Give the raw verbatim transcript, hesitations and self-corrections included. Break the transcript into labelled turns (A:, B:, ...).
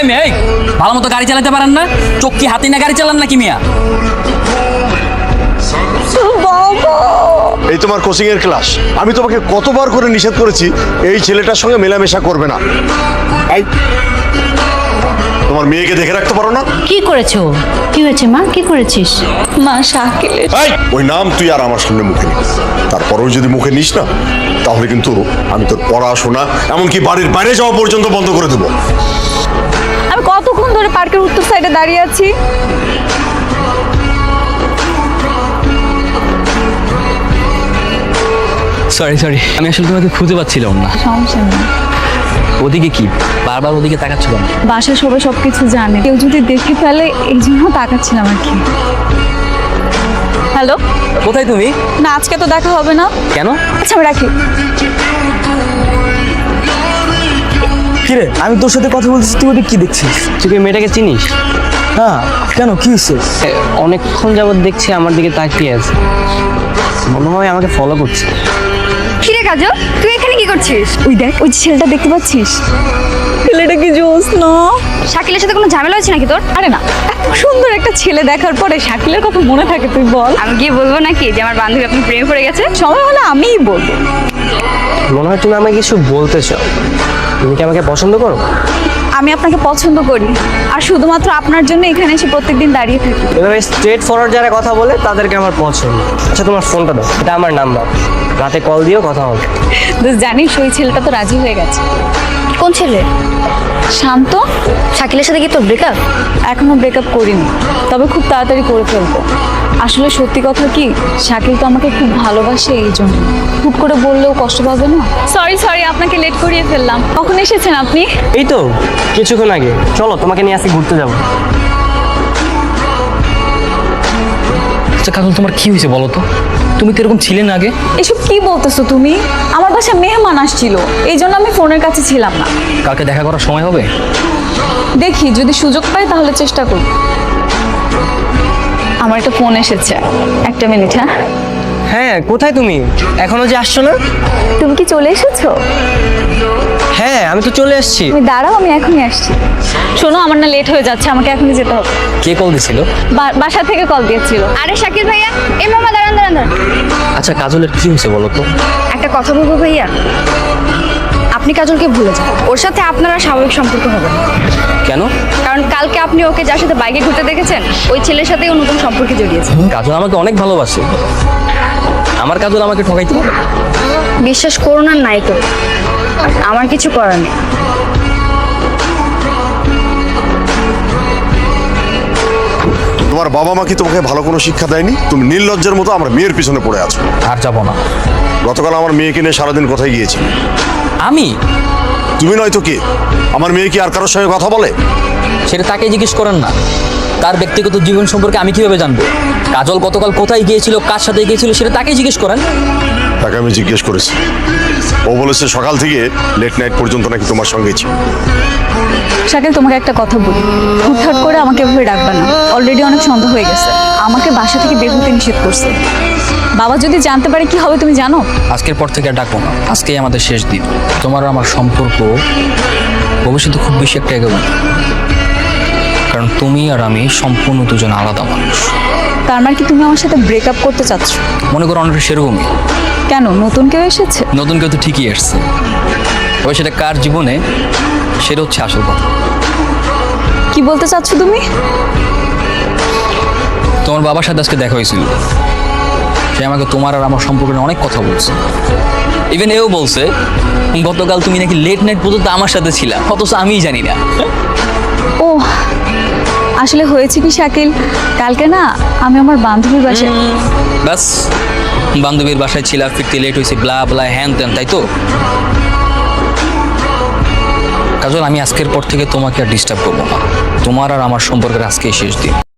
A: এই মেয়ে, ভালো মতো গাড়ি চালাতে পারেন না? চোখ কি হাতি না গাড়ি চালান নাকি মিয়া?
B: এই তোমার কোচিং এর ক্লাস। আমি তোমাকে কতবার করে নিষেধ করেছি এই ছেলেটার সঙ্গে মেলামেশা করবে না। এই তোমার মেয়েকে দেখে রাখতে পারো না?
C: কি করেছো? কি হয়েছে মা? কি করেছিস?
D: মা শাকিলের
B: এই ওই নাম তুই আর আমার সামনে মুখে নিস। তারপরেও যদি মুখে নিস না তাহলে কিন্তু আমি তোর পড়াশোনা এমনকি বাড়ির বাইরে যাওয়া পর্যন্ত বন্ধ করে দেবো।
D: আমি কতক্ষণ ধরে পার্কের উত্তর সাইডে দাঁড়িয়ে আছি।
A: সরি সরি, আমি আসলে তোমাকে খুঁজে পাচ্ছিলাম না।
D: সমস্যা নেই।
A: ওদিকে কি বারবার ওদিকে তাকাচ্ছিল না?
D: বাসায় সবাই সবকিছু জানে, কেউ যদি দেখে ফেলে এই জন্য তাকাচ্ছিলাম আর কি। হ্যালো,
A: কোথায় তুমি?
D: না আজকে তো দেখা হবে না।
A: কেন?
D: আচ্ছা আমি রাখি।
E: কিরে, আমি তোর সাথে কথা বলতেছি, তুই ওদিকে কি দেখছিস?
F: তুই কি মেয়েটাকে চিনিস?
E: না, কেন, কি হয়েছে?
F: এ, অনেকক্ষণ যাবত দেখছি আমার দিকে তাকিয়ে আছে, মনে হয় আমাকে ফলো করছে।
D: কিরে কাজল, তুই এখানে কি করছিস? ওই দেখ, ওই যে ছেলেটা দেখতে পাচ্ছিস? ছেলেটা কি জোস না? শাকিলের সাথে কোনো ঝামেলা হয়েছে নাকি তোর? আরে না, এত সুন্দর একটা ছেলে দেখার পরে শাকিলের কথা মনে থাকে তুই বল? আমি গিয়ে বলবো নাকি যে আমার বান্ধবী আপনি প্রেমে পড়ে গেছে? সময় হলে আমিই বলবো।
F: মনে হয় তুমি আমাকে কিছু বলতে চাও। তুমি কি আমাকে পছন্দ করো?
D: আমি আপনাকে পছন্দ করি, আর শুধুমাত্র আপনার জন্য এখানে এসে প্রত্যেকদিন দাঁড়িয়ে থাকি।
F: এভাবে স্ট্রেট ফরওয়ার্ড যারা কথা বলে তাদেরকে আমার পছন্দ। আচ্ছা তোমার ফোনটা দাও, এটা আমার নাম্বার, রাতে কল দিও, কথা হবে।
D: তো জানিস ওই ছেলেটা তো রাজি হয়ে গেছে।
C: কোন ছেলে?
D: শান্ত।
C: শাকিলের সাথে কি তোর ব্রেকআপ?
D: এখনো ব্রেকআপ করিনি, তবে খুব তাড়াতাড়ি করে ফেলবো। আসলে সত্যি কথা কি, শাকিল তো আমাকে খুব ভালোবাসে, এই জন্য হুট করে বললেও কষ্ট পাবে না। সরি সরি, আপনাকে লেট করিয়ে ফেললাম। কখন এসেছেন আপনি?
F: এই তো কিছুক্ষণ আগে। চলো তোমাকে নিয়ে আসি, ঘুরতে যাবো।
A: আচ্ছা কাজল, তোমার কি হয়েছে বলো তো? তুমি তো এরকম ছিলে না আগে।
D: এসব কি বলতেছো তুমি? আমার বাসায় মেহমান আসছিল, এই জন্য আমি ফোনের কাছে ছিলাম না।
A: কালকে দেখা করার সময় হবে?
D: দেখি যদি সুযোগ পাই তাহলে চেষ্টা করব। আমার একটা ফোন এসেছে, একটা মিনিট। হ্যাঁ
F: হ্যাঁ, কোথায় তুমি? এখনো যে আসছো না?
D: তুমি কি চলে এসেছো?
F: হ্যাঁ আমি তো চলে এসেছি।
D: তুমি দাঁড়াও, আমি এখনই আসছি। শোনো, আমার না লেট হয়ে যাচ্ছে, আমাকে এখনই যেতে হবে।
A: কে কল দিছিল?
D: বা- বাসা থেকে কল দিয়েছিল। আরে শাকিল ভাইয়া, এই মামা দাঁড়ান দাঁড়ান দাঁড়ান।
A: আচ্ছা কাজলের কি হয়েছে বলো তো?
D: একটা কথা বলবো ভাইয়া, আপনি কাজলকে ভুলে যান। ওর সাথে আপনারা স্বাভাবিক সম্পর্ক হবে না।
A: কেন?
D: কারণ কালকে আপনি ওকে যার সাথে বাইকে ঘুরতে দেখেছেন, ওই ছেলের সাথেই ও নতুন সম্পর্কে জড়িয়েছে।
A: কাজল আমাকে অনেক ভালোবাসে, আমার কাজল আমাকে ঠকাইতে পারে?
D: বিশ্বাস করুন আর নাই করুন, আমার কিছু করার নেই।
B: তোমার বাবা মা কি তোমাকে ভালো কোনো শিক্ষা দেয়নি? তুমি নির্লজ্জের মতো আমার মেয়ের পিছনে পড়ে আছো।
A: আর যাবো না।
B: গতকাল আমার মেয়েকে নিয়ে সারাদিন কোথায় গিয়েছি?
A: আমি?
B: তুমি নয়তো কি? আমার মেয়ে কি আর কারোর সঙ্গে কথা বলে?
A: সেটা তাকে জিজ্ঞেস করেন না। তার ব্যক্তিগত জীবন সম্পর্কে আমি কিভাবে জানবো? কাজল গতকাল কোথায় গিয়েছিল, কার সাথে গিয়েছিল, সেটা তাকেই জিজ্ঞেস করেন।
B: তাকে আমি জিজ্ঞেস করেছি, ও বলেছে সকাল থেকে লেট নাইট পর্যন্ত নাকি তোমার সঙ্গেই ছিল।
D: শাকিল, তোমাকে একটা কথা বলি, হুটহাট করে আমাকে এভাবে ডাকবে না। অলরেডি অনেক সন্দেহ হয়ে গেছে, আমাকে বাসা থেকে বের হতে নিষেধ করছে। বাবা যদি জানতে পারে কি হবে তুমি জানো?
A: আজকের পর থেকে আর ডাকবো না, আজকেই আমাদের শেষ দিন। তোমার আর আমার সম্পর্ক ভবিষ্যতে খুব বেশি একটা এগোবে না, কারণ তুমি আর আমি সম্পূর্ণ দুজন আলাদা মানুষ।
D: তার মানে কি তুমি আমার সাথে ব্রেকআপ করতে চাচ্ছ?
A: মনে করো অনেকটা সেরকমই।
D: কেন, নতুন কেউ এসেছে?
A: নতুন কেউ তো ঠিকই এসছে, তবে সেটা কার জীবনে সেটা হচ্ছে আসল কথা।
D: কি বলতে চাচ্ছ তুমি?
A: তোমার বাবার সাথে আজকে দেখা হয়েছিল, সে আমাকে তোমার আর আমার সম্পর্কে অনেক কথা বলছে। ইভেন এও বলছে গতকাল তুমি নাকি লেট নাইট পর্যন্ত আমার সাথে ছিলা, অথচ আমিই জানি না।
D: ও আসলে হয়েছে কি শাকিল, কালকে না আমি আমার বান্ধবীর বাসায়।
A: ব্যাস, বান্ধবীর বাসায় ছিলা, ফিরতে লেট হয়েছে, ব্লা ব্লা হ্যান ত্যান, তাই তো? কাজল, আমি আজকের পর থেকে তোমাকে আর ডিস্টার্ব করবো না। তোমার আর আমার সম্পর্কের আজকেই শেষ দিন।